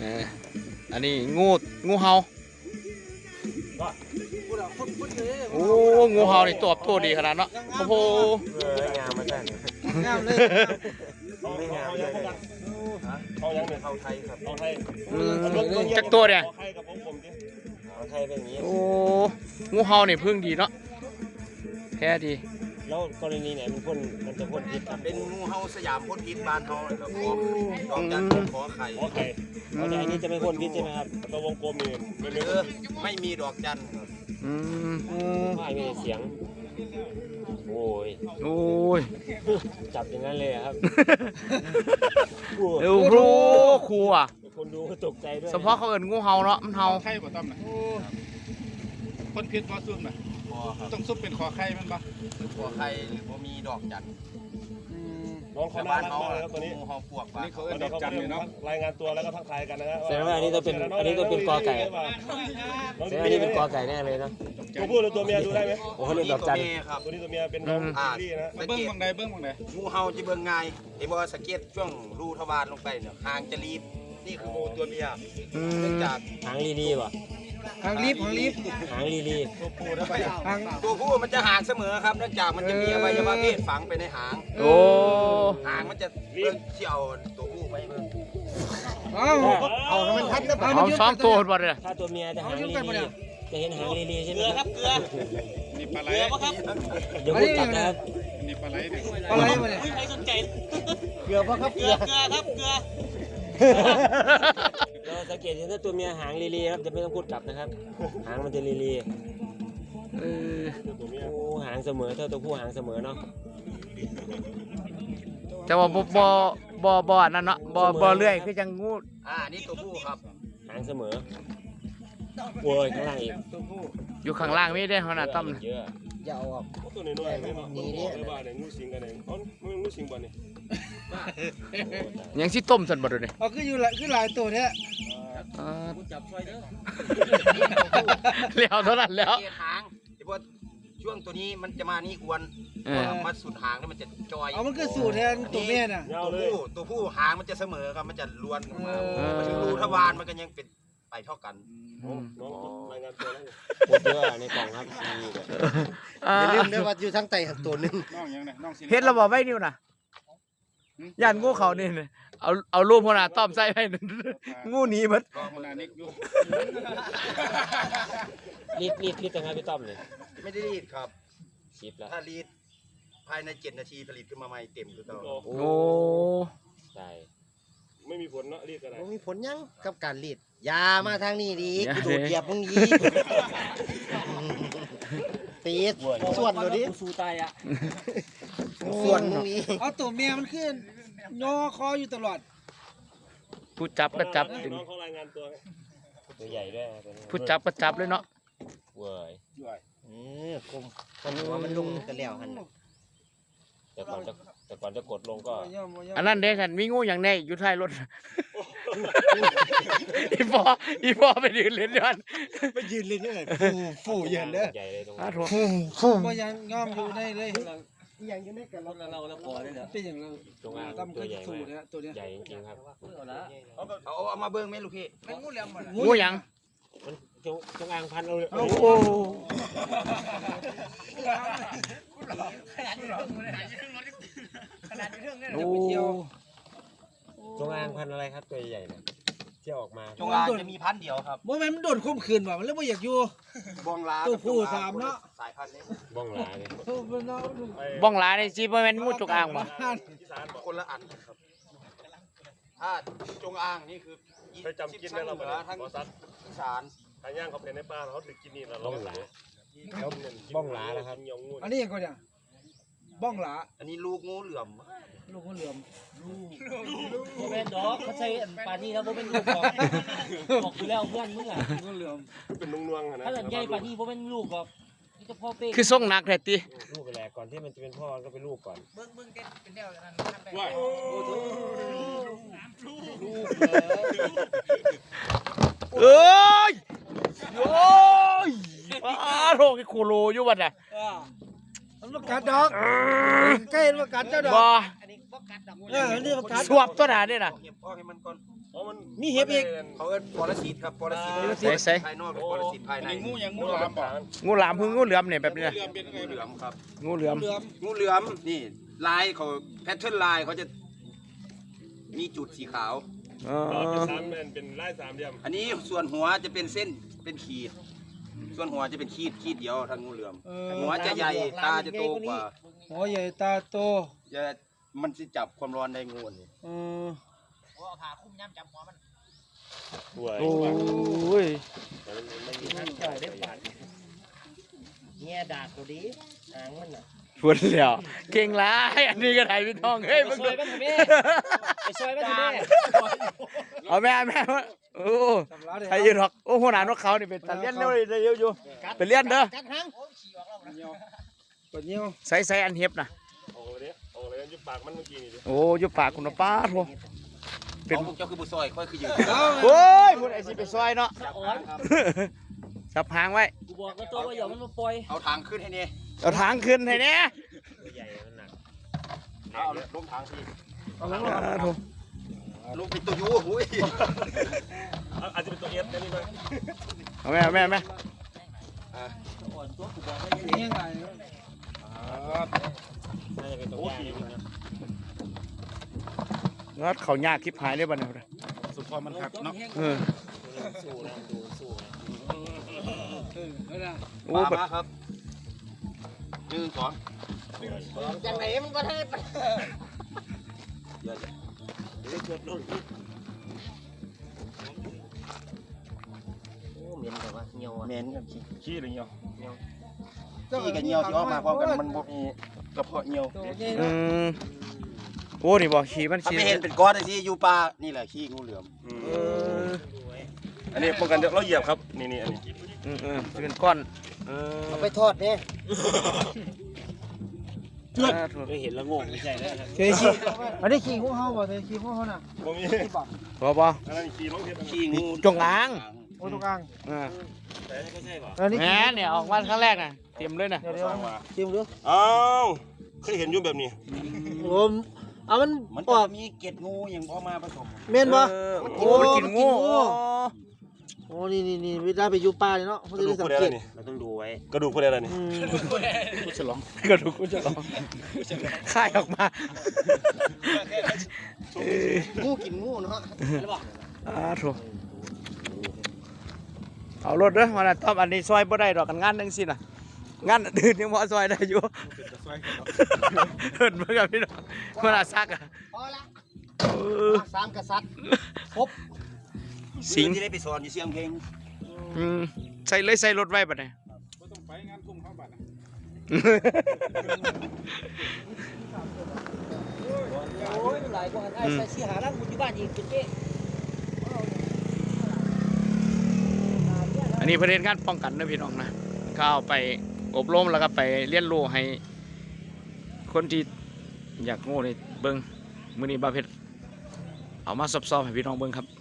อันนี้งูเห่าโอ้งูเห่านี่ตัวโตดีขนาดเนาะโอ้โหงามมาแท้งามเลยไม่งามเลยเขายังเป็นเขาไทยครับเขาไทยจักตัวเนี่ยเขาไทยเป็นอย่างนี้โอ้งูเห่านี่พึ่งดีเนาะแท้ดีแล้วกรณีไหนมันจะพ่นพิษครับเป็นงูเห่าสยามพ่นพิษบ้านเฮาเลยครับดอกจันขอไข่แต่อันนี้จะไม่พ่นพิษใช่ไหมครับตัววงกลมนี่ไม่มีดอกจันไม่มีเสียงโอ้ยจับอย่างนั้นเลยครับโอ้โหครูอ่ะคนดูก็ตกใจด้วยเฉพาะเขาเอิ้นงูเห่าเนาะมันเห่าไข่บ่ต้อมนะพ่นพิษบ่ซุ่มนะต้องซุปเป็นคอไข่มันปะคอไข่หรือว่ามีดอกจันน้องเขาบ้านเขาเลยครับตัวนี้งูเห่าปวกปะนี่เขาเอิ้นดอกจันเลยเนาะรายงานตัวแล้วก็ทักทายกันนะครับแสดงว่าอันนี้ต้องเป็นกอไก่แสดงว่านี่เป็นกอไก่แน่เลยนะตัวผู้หรือตัวเมียดูได้ไหมโอ้เขาเรียกดอกจันครับตัวนี้ตัวเมียเป็นน้องลี่นะเบิ้งบางใดงูเห่าจะเบิ้งง่ายไอ้บอสเก็ตช่วงรูทวารลงไปเนี่ยหางจะรีบนี่คืองูตัวเมียเนื่องจากหางลีป่ะหางรีบหางลีตัวผู้มันจะหางเสมอครับเนื่องจากมันจะมีอวัยวะเพศฝังไปในหางหางมันจะเชี่ยวตัวผู้ไปเอามันทัดนะเอาสองตัวหมดเลยถ้าตัวเมียจะหางลีจะเห็นหางลีใช่ไหมครับเกลือนี่ปลาไหลครับเดี๋ยวพูดกลับนะครับนี่ปลาไหลเนี่ยมาเนี่ยใครสนใจเกลือครับเกลือครับเกลือเราสังเกตเห็นถ้าตัวเมียหางลีครับจะไม่ต้องพูดกลับนะครับหางมันจะลีโอ้หางเสมอถ้าตัวผู้หางเสมอเนาะจะว่าบ่นั่นเนาะบ่เลื่อยคือจังงูนี่ตัวผู้ครับหางเสมอโอ้ยข้างล่างอีกอยู่ข้างล่างไม่ได้ขนาดต้อมเยอะอย่าเอาออกตัวน้อยๆนี่เนี่ยงูสิงกันเองมันงูสิงบ่นี่ยังสิต้มสันบ่ดูนี่คือหลายตัวเนี่ยจับช่วยเด้อแล้วเท่านั้นแล้วหางไอ้พวกช่วงตัวนี้มันจะมานี่กวนมาสุดหางแล้วมันจะจอยมันคือสูตรแทนตัวแม่น่ะตัวผู้หางมันจะเสมอครับมันจะล้วนออกมาถึงรูทวารมันก็ยังเป็นไปเท่ากันรายงานตัวแล้วพูดเยอะในกล่องครับอย่าลืมด้วยว่าอยู่ทั้งไตตัวนึงเฮ็ดเราบอกไว้นิ้วน่ะย่านงูเขานี่เอารูปหัวหน้าต้อมใส่ให้งูหนีหมดรีดยังไงพี่ต้อมเนี่ยไม่ได้รีดครับชิปแล้วถ้ารีดภายใน7 นาทีผลิตขึ้นมาใหม่เต็มคือต้องโอ้ใช่ไม่มีผลเนาะรีดอะไรไม่มีผลยังกับการรีดยามาทางนี้ดีกูโดดเหยียบมึงยีตีส่วนเลยดิสู้ตายอ่ะส่วนมึงนี้เอาตัวเมียมันขึ้นงอคออยู่ตลอดผู้จับก็จับน้องเขารายงานตัวใหญ่ด้วยผู้จับก็จับเลยเนาะเว้ยกลมคนว่ามันลงกันแล้วฮันแต่ก่อนจะกดลงก็อันนั้นเด้ฉันมีงูอย่างแน่อยู่ท้ายรถอีพอไปยืนเล่นด้วยไปยืนเล่นด้วยฟูยืนเด้อใหญ่เลยตรงนี้ฟูมายังงอมอยู่ได้เลยอย่างอยู่ในกันเราแล้วพอได้แล้วเป็นอย่างเราตรงอ่างตัวใหญ่ตัวนี้ใหญ่จริงๆครับเอามาเบิ้งไหมลูกพี่งูเหลี่ยมงูหยังมันจงอางพันเอาเลยโอ้โหจงอางพันอะไรครับตัวใหญ่เนี่ยที่ออกมาจงอางจะมีพันเดียวครับโมเมนต์มันโดนคุ้มคืนว่ะมันเลยไม่อยากอยู่บ้องลาตัวผู้3เนาะสายพันธุ์นี้บ้องลาเนี่ยบ้องลาในจีโมเมนต์งูจงอางป่ะคนละอันครับถ้าจงอางนี่คือไปจำกินได้เราทั้งอีสานทางย่างเขาเป็นในป่าเขาถึงกินนี่เราบ้องลาบ้องลานะครับอันนี้ยังก็เนี่ยบ้องหลาอันนี้ลูกงูเหลือมลูกงูเหลือมโมเมนต์ดอกเขาใช้ปลานี่แล้วโมเมนต์ลูกบอกอยู่แล้วเพื่อนมึงอ่ะงูเหลือมเป็นนุ่งๆนะถ้าหลังใหญ่ปลานี่โมเมนต์ลูกก็นี่จะพ่อเป้คือส่งหนักแท้ติลูกแหละก่อนที่มันจะเป็นพ่อก็เป็นลูกก่อนเบิ้งเป็นแนวนั้นว้ายเอ้ยโอ้ยโรคโคโลอยู่บัดน่ะมันกัดดอกใกล้มันกัดเจ้าดอกบ่อันนี้บ่กัดดอกนี่มันกัดสวบตัวหน้านี่น่ะเก็บพ่อให้มันก่อนมีเห็บอีกเขาเอิ้นปรสิตครับปรสิตภายนอกเป็นปรสิตภายในงูยังงูหลามบ่งูหลามคืองูเหลือมเนี่ยแบบนี้นะเรือเป็นไงงูเหลือมครับงูเหลือมงูเหลือมนี่ลายเขาแพทเทิร์นลายเขาจะมีจุดสีขาวอ๋อเป็นไล่สามเหลี่ยมอันนี้ส่วนหัวจะเป็นเส้นเป็นขีด ส่วนหัวจะเป็นขีดเดียวทางงูเหลือมหัวจะใหญ่ตาจะโตกว่าหัวใหญ่ตาโตจะมันจะจับความร้อนได้งูนี่หวยโอ้ยเนี่ยดากตัวดีหางมันน่ะฝนแล้วเก่งหลายอันนี้ก็ได้พี่ทองเฮ้ยไปมึงซอยบ้านแม่ไปซอยบ้านแม่เอาแม่โอ้ใครยืนหรอกโอ้หัวหน้านกเขานี่เป็นตาเลี้ยนเร็วเลยเร็วอยู่เป็นเลี้ยนเด้อกัดหางปวดเงี้ยวใส่อันเห็บนะโอ้เลยโอ้เลยยุบปากมันเมื่อกี้นี่ดิโอ้อยู่ปากคุณป้าโถเป็นเจ้าคือบุษอยค่อยคืออยู่โอ้ยพูดไอ้สิไปซอยเนาะสะอ่อนจับหางไว้กูบอกแล้วตัวว่าอย่ามันมาปล่อยเอาทางขึ้นให้นี่เอาทางขึ้นให้เนี่ยเอาลงทางสิโถลงเป็นตัวยูหุ้ยอาจจะเป็นตัวเอฟนี่มั้ยเอาแม่สะอ่อนตัวกูบอกว่าอย่ายังไงน่าจะเป็นตัวใหญ่นะงัดเขายากคลิปหายได้บ่เนี่ยสุดพอมันหักเนาะเออสู้นะดูสู้นะโอ้มาแบบมาครับ1 2 จังไหนมันก็ได้เดี๋ยวโอ้เหม็นแต่ว่าเหี่ยวอ่ะเหม็นกับขี้ขี้หรือเงี้ยขี้กับเหนียวที่ออกมาพร้อมกันมันบ่มีกระเพาะเหนียวอืมโอ้นี่บ่ขี่มันถ้าขี่ไม่เห็นเป็นก้อนไอ้ที่อยู่ป่านี่แหละขี้งูเหลือมเอออันนี้ป้องกันเราเหยียบครับนี่อันนี้จะเป็นก้อนเออเอาไปทอดเนี่ยไม่เห็นแล้วงงไม่ใช่แล้วครับเคยขี้อันนี้ขี้ของเขาบ่เคยขี้ของเขาน่ะบ่มีบ่อันนั้นขี้ลงเทียบขี้งูจงอางโอ้ตรงกลางแต่ไม่ใช่ป่ะอันนี้แหมเนี่ยออกมาครั้งแรกน่ะเตรียมเลยน่ะเดี๋ยวชิมดูอ้าวเคยเห็นอยู่แบบนี้ผมเอามันมันอจะอกมีเกล็ดงูอย่างออกมาผสมเม่นบ่โอ้มันกินงูโอ้นี่เวลาไปอยู่ป่าเลยเนาะเขากจะระดูได้กสัผู้งใดเกล่ะตนี่เราต้องดูไว้กระดูกผู้ใดล่ะนี่กูฉลองกระดูกกูฉลองค่ายออกมางูกินงูเนาะโถเอารถเด้อมาน่ะต้อมอันนี้ซอยบ่ได้ดอกกันงานจังซี่น่ะงานอื่นยังบ่ซอยได้อยู่เฮิ่นเบิ่งกับพี่น้องมาน่ะซักอ่ะพอละเออสามกษัตริย์ครบสิงที่ได้ไปสอนอยู่เสียงเพลงใส่รถไว้บัดนี้บ่ต้องไปงานกลุ่มเขาบัดนะโอ้ยหลายกว่าไอ้ใส่เสียหาร่างอยู่บ้านอีกเป็นเป๊ะอันนี้ประเด็นการป้องกันนะพี่น้องนะเข้าไปอบรมแล้วก็ไปเรียนรู้ให้ คนที่อยากโง่ในเบิ้งมื้อนี้บาเพชรเอามาสอบๆให้พี่น้องเบิ้งครับ